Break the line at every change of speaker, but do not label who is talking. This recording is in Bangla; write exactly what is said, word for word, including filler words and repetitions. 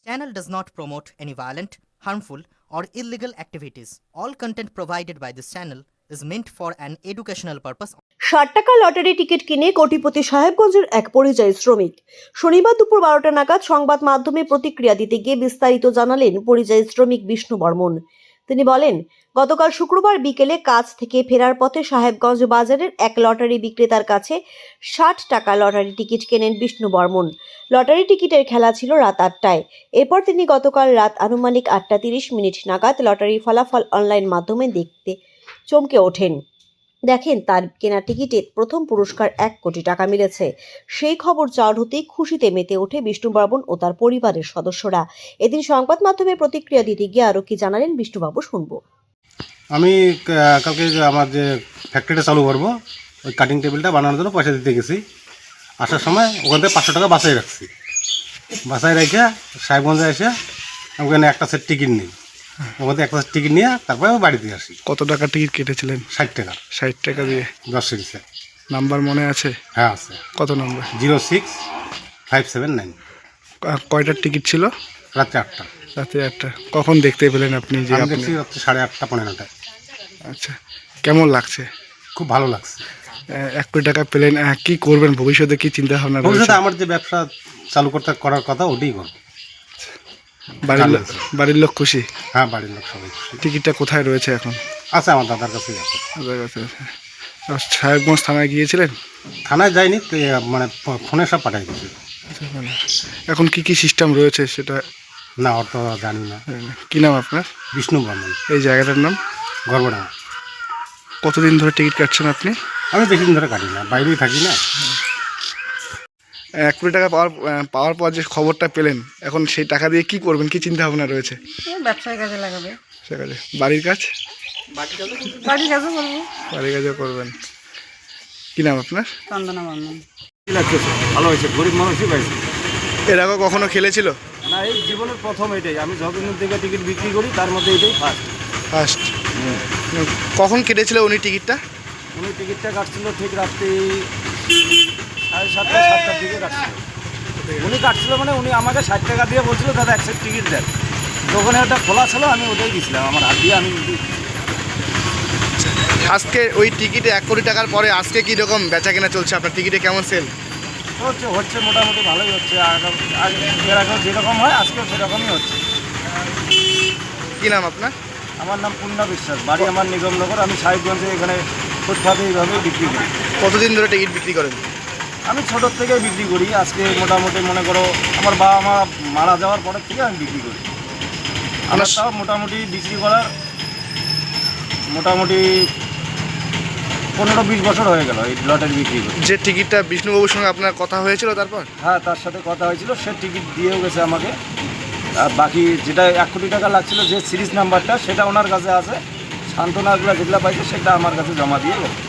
Channel does not promote any violent, harmful, or illegal activities. All content provided by this channel is meant for an educational purpose.
ষাট টাকা লটারি টিকিট কিনে কোটিপতি সাহেবগঞ্জের এক পরিযায়ী শ্রমিক। শনিবার দুপুর বারোটা নাগাদ সংবাদ মাধ্যমে প্রতিক্রিয়া দিতে গিয়ে বিস্তারিত জানালেন পরিযায়ী শ্রমিক বিষ্ণু বর্মন। তিনি বলেন, গতকাল শুক্রবার বিকেলে কাজ থেকে ফেরার পথে সাহেবগঞ্জ বাজারের এক লটারি বিক্রেতার কাছে ষাট টাকা লটারি টিকিট কেনেন বিষ্ণু বর্মন। লটারি টিকিটের খেলা ছিল রাত আটটায়। এরপর তিনি গতকাল রাত আনুমানিক আটটা তিরিশ মিনিট নাগাদ লটারির ফলাফল অনলাইন মাধ্যমে দেখতে চমকে ওঠেন। দেখেন তার কেনা টিকিটে প্রথম পুরস্কার এক কোটি টাকা মিলেছে। সেই খবর চাউর হতেই খুশিতে মেতে ওঠে বিষ্ণু বর্মন ও তার পরিবারের সদস্যরা। এদিন সংবাদ মাধ্যমে প্রতিক্রিয়া দিতে গিয়ে আরও কি জানালেন বিষ্ণুবাবু শুনবো।
আমি কালকে আমার যে ফ্যাক্টরিটা চালু করবো, ওই কাটিং টেবিলটা বানানোর জন্য পয়সা দিতে গেছি। আসার সময় ওখান থেকে পাঁচশো টাকা বাসায় রাখছি। বাসায় রেখে সাহেবগঞ্জে এসে আমি ওখানে একটা সেট টিকিট নিই। ওখান থেকে একটা সেট টিকিট নিয়ে তারপরে আমি বাড়িতে আসি।
কত টাকা টিকিট কেটেছিলেন?
ষাট টাকা।
ষাট টাকা দিয়ে
দশ সিরিজে।
নাম্বার মনে আছে?
হ্যাঁ আছে।
কত নম্বর?
Zero six five seven nine.
কয়টার টিকিট ছিল?
রাত্রে আটটা।
রাতে আটটা। কখন দেখতে পেলেন আপনি? যে
আমি দেখছি রাত্রে সাড়ে আটটা পনেরোটায়।
আচ্ছা, কেমন লাগছে?
খুব ভালো লাগছে।
এক কোটি টাকা পেলেন, কি করবেন ভবিষ্যতে, কি চিন্তা ভাবনা রয়েছে?
ভবিষ্যতে আমার যে ব্যবসা চালু করতে করার কথা ওটাই করবো।
বাড়ির লোক বাড়ির লোক খুশি?
হ্যাঁ, বাড়ির লোক সবাই খুশি।
টিকিটটা কোথায় রয়েছে এখন?
আছে আমার দাদার কাছেই আছে।
দাদার কাছে আছে। সাহেবগঞ্জ থানায় গিয়েছিলেন?
থানায় যাইনি, মানে ফোনে সব পাঠাই দিয়েছি।
এখন কি কি সিস্টেম রয়েছে সেটা?
না, অত জানি না।
কি নাম আপনার?
বিষ্ণু বর্মন।
এই জায়গাটার নাম?
গর্বডাঙ্গা।
কতদিন ধরে টিকিট কাটছেন আপনি?
আমি বেশি দিন ধরে কাটি না, বাইরেই থাকি না।
এক কোটি টাকা পাওয়ার পাওয়ার পর যে খবরটা পেলেন, এখন সেই টাকা দিয়ে কি করবেন, কি চিন্তা ভাবনা রয়েছে?
ব্যবসায় কাজে লাগাবে।
সে কাজে বাড়ির কাজ
বাড়ির কাজও করবো।
বাড়ির কাজও করবেন। কি নাম আপনার?
চন্দনা বর্মন।
কি লাগছে? ভালো হয়েছে, গরিব মানুষই পাইছে।
এর আগে কখনো খেলেছিল?
না, এই জীবনের প্রথম এটাই। আমি যতদিন থেকে টিকিট বিক্রি করি তার মধ্যে এটাই ফার্স্ট।
ফার্স্ট। কখন কেটেছিল উনি টিকিটটা?
উনি টিকিটটা কাটছিল ঠিক রাত্রি সাড়ে সাতটা সাতটার দিকে কাটছিল। উনি কাটছিল মানে উনি আমাকে ষাট টাকা দিয়ে বলছিল, দাদা এক সেট টিকিট দেন। দোকানে ওটা খোলা ছিল, আমি ওটাই দিয়েছিলাম আমার হাত দিয়ে। আমি
আজকে ওই টিকিটে এক কোটি টাকার পরে আজকে কী রকম বেচা কেনা চলছে? আপনার টিকিটে কেমন সেল
হচ্ছে? হচ্ছে মোটামুটি ভালোই হচ্ছে। আগে এর আগেও যেরকম হয় আজকেও সেরকমই হচ্ছে।
কী নাম আপনার?
আমার নাম পূর্ণা বিশ্বাস, বাড়ি আমার নিগমনগর। আমি সাহেবগঞ্জে এখানে ফুটপাতে এইভাবেই বিক্রি করি।
কতদিন ধরে টিকিট বিক্রি করেন?
আমি ছোটোর থেকেই বিক্রি করি। আজকে মোটামুটি মনে করো আমার বাবা মা মারা যাওয়ার পরের থেকে আমি বিক্রি করি। আমার তাও মোটামুটি বিক্রি করার মোটামুটি পনেরো বিশ বছর হয়ে গেল এই লটারি বিক্রি করি।
যে টিকিটটা বিষ্ণুবাবুর সঙ্গে আপনার কথা হয়েছিল তারপর?
হ্যাঁ, তার সাথে কথা হয়েছিল, সে টিকিট দিয়েও গেছে আমাকে। আর বাকি যেটা এক কোটি টাকা লাগছিল, যে সিরিজ নাম্বারটা, সেটা ওনার কাছে আছে। সান্ত্বনাগুলো যেগুলো পাইছে সেটা আমার কাছে জমা দিয়ে গেছে।